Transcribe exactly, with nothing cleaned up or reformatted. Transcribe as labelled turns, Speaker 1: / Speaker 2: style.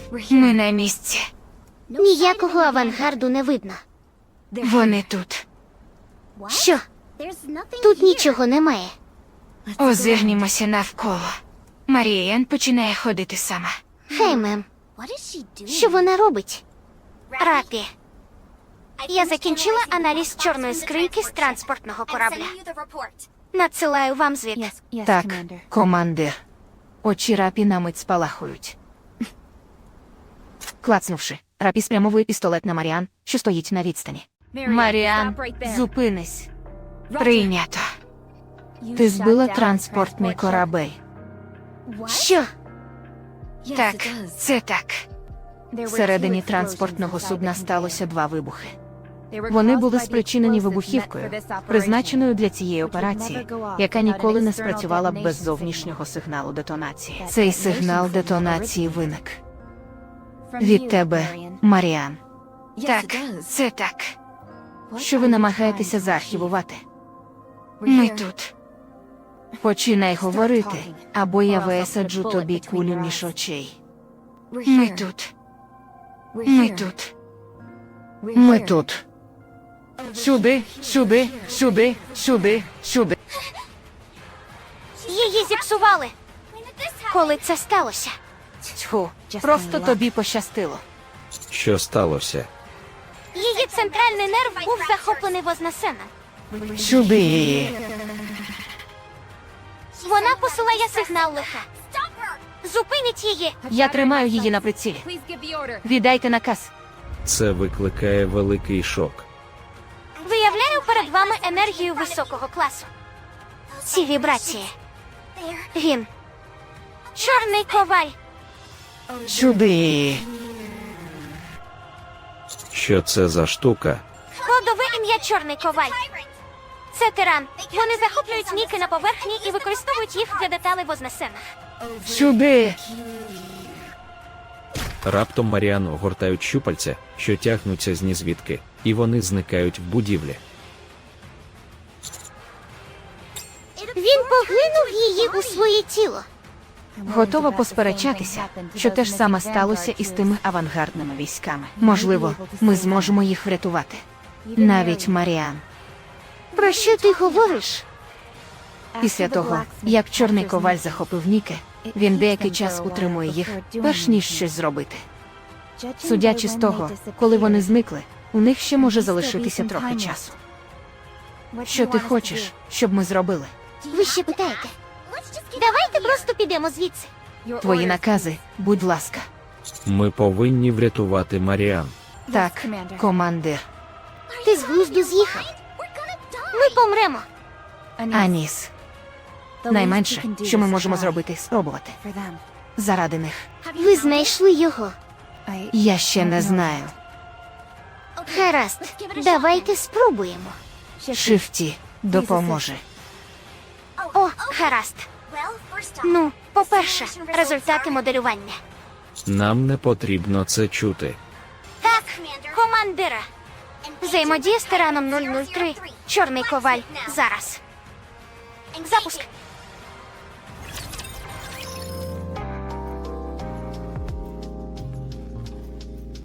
Speaker 1: Ми на місці.
Speaker 2: Ніякого авангарду не видно.
Speaker 1: Вони тут.
Speaker 2: Що? Тут нічого немає.
Speaker 1: Озирнімося навколо. Марієн починає ходити сама.
Speaker 2: Хей, мем. Що вона робить? Рапі. Я закінчила аналіз чорної скриньки з транспортного корабля. Надсилаю вам звіт.
Speaker 1: Так, командир. Очі Рапі на мить спалахують. Клацнувши, Рапі спрямовує пістолет на Маріан, що стоїть на відстані. Маріан, зупинись. Прийнято. Ти збила транспортний корабель.
Speaker 2: Що?
Speaker 1: Так, це так. Всередині транспортного судна сталося два вибухи. Вони були спричинені вибухівкою, призначеною для цієї операції, яка ніколи не спрацювала б без зовнішнього сигналу детонації. Цей сигнал детонації виник від тебе, Маріан. Так, це так. Що ви намагаєтеся заархівувати? Ми тут. Починай говорити, або я висаджу тобі кулю між очей. Ми тут. Ми тут. Ми тут. Сюди, сюди, сюди, сюди, сюди.
Speaker 2: Її зіпсували. Коли це сталося?
Speaker 1: Тьфу, просто тобі пощастило.
Speaker 3: Що сталося?
Speaker 2: Її центральний нерв був захоплений вознесеннем.
Speaker 1: Сюди її.
Speaker 2: Вона посилає сигнал лиха. Зупиніть її!
Speaker 1: Я тримаю її на прицілі. Віддайте наказ.
Speaker 3: Це викликає великий шок.
Speaker 2: Виявляю перед вами енергію високого класу. Ці вібрації. Він. Чорний коваль.
Speaker 1: Сюди її.
Speaker 3: Що це за штука?
Speaker 2: Кодове ім'я Чорний коваль. Це тиран. Вони захоплюють ніки на поверхні і використовують їх для деталей вознесених.
Speaker 1: Сюди.
Speaker 3: Раптом Маріан огортають щупальця, що тягнуться з нізвідки, і вони зникають в будівлі.
Speaker 2: Він поглинув її у своє тіло.
Speaker 1: Готова посперечатися, що те ж саме сталося із тими авангардними військами. Можливо, ми зможемо їх врятувати. Навіть Маріан.
Speaker 2: Про що ти говориш?
Speaker 1: Після того, як Чорний коваль захопив Ніки, він деякий час утримує їх, перш ніж щось зробити. Судячи з того, коли вони зникли, у них ще може залишитися трохи часу. Що ти хочеш, щоб ми зробили?
Speaker 2: Ви ще питаєте? Давайте просто підемо звідси.
Speaker 1: Твої накази, будь ласка.
Speaker 3: Ми повинні врятувати Маріан.
Speaker 1: Так, командир.
Speaker 2: Ти з глузду з'їхав. Ми помремо.
Speaker 1: Аніс. Найменше, що ми можемо зробити, спробувати. Заради них.
Speaker 2: Ви знайшли його.
Speaker 1: Я ще не знаю.
Speaker 2: Гаразд, давайте спробуємо.
Speaker 1: Шифті допоможе.
Speaker 2: О, гаразд. Ну, по-перше, результати моделювання.
Speaker 3: Нам не потрібно це чути.
Speaker 2: Так, командира. Взаємодія з тираном нуль нуль три. Чорний коваль. Зараз. Запуск.